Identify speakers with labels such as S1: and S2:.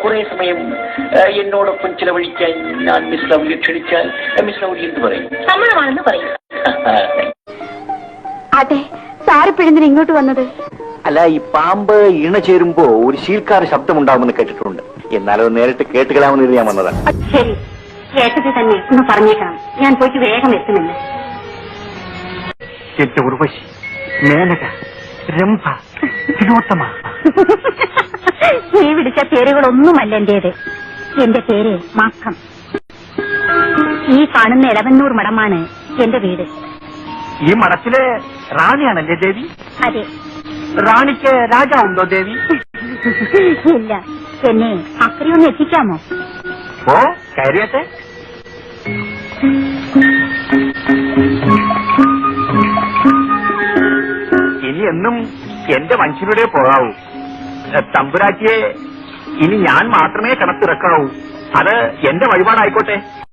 S1: കുറെ സമയം എന്നോടൊപ്പം ചിലവഴിക്കാൻ ഞാൻ മിസ് ലൗലിയെ ക്ഷണിച്ചാൽ മിസ് ലൗലി എന്ത് പറയും?
S2: സമ്മതമാണെന്ന് പറയും.
S3: അതെ, സാറിപ്പിഴന്തിന് ഇങ്ങോട്ട് വന്നത്?
S4: അല്ല, ഈ പാമ്പ് ഇണ ചേരുമ്പോ ഒരു ശീൽക്കാര ശബ്ദമുണ്ടാവുമെന്ന് കേട്ടിട്ടുണ്ട്. എന്നാലത് നേരിട്ട് കേട്ടുകളാമെന്ന് ഞാൻ വന്നതാണ്.
S3: ശരി, കേട്ടത് തന്നെ ഒന്ന് പറഞ്ഞേക്കണം. ഞാൻ പോയിട്ട് വേഗം എത്തുന്നില്ല.
S4: എന്റെ ഉർവശി, മേനക, രംഭ, തിലോത്തമ.
S3: നീ വിളിച്ച പേരുകളൊന്നുമല്ല എന്റേത്. എന്റെ പേര് മാക്കം. ഈ കാണുന്ന ഇളവന്നൂർ മഠമാണ് എന്റെ വീട്.
S4: ഈ മഠത്തിലെ റാണിയാണല്ലേ ദേവി?
S3: അതെ.
S4: റാണിക്ക് രാജാവുണ്ടോ ദേവി?
S3: ഇല്ല. എന്നെ അക്കരെയൊന്ന് എത്തിക്കാമോ?
S4: ഓ, കാര്യത്തെ. ഇനി എന്നും എന്റെ മനുഷ്യരുടെ പോകാവൂ. തമ്പുരാറ്റിയെ ഇനി ഞാൻ മാത്രമേ കിണത്തിറക്കാവൂ. അത് എന്റെ വഴിപാടായിക്കോട്ടെ.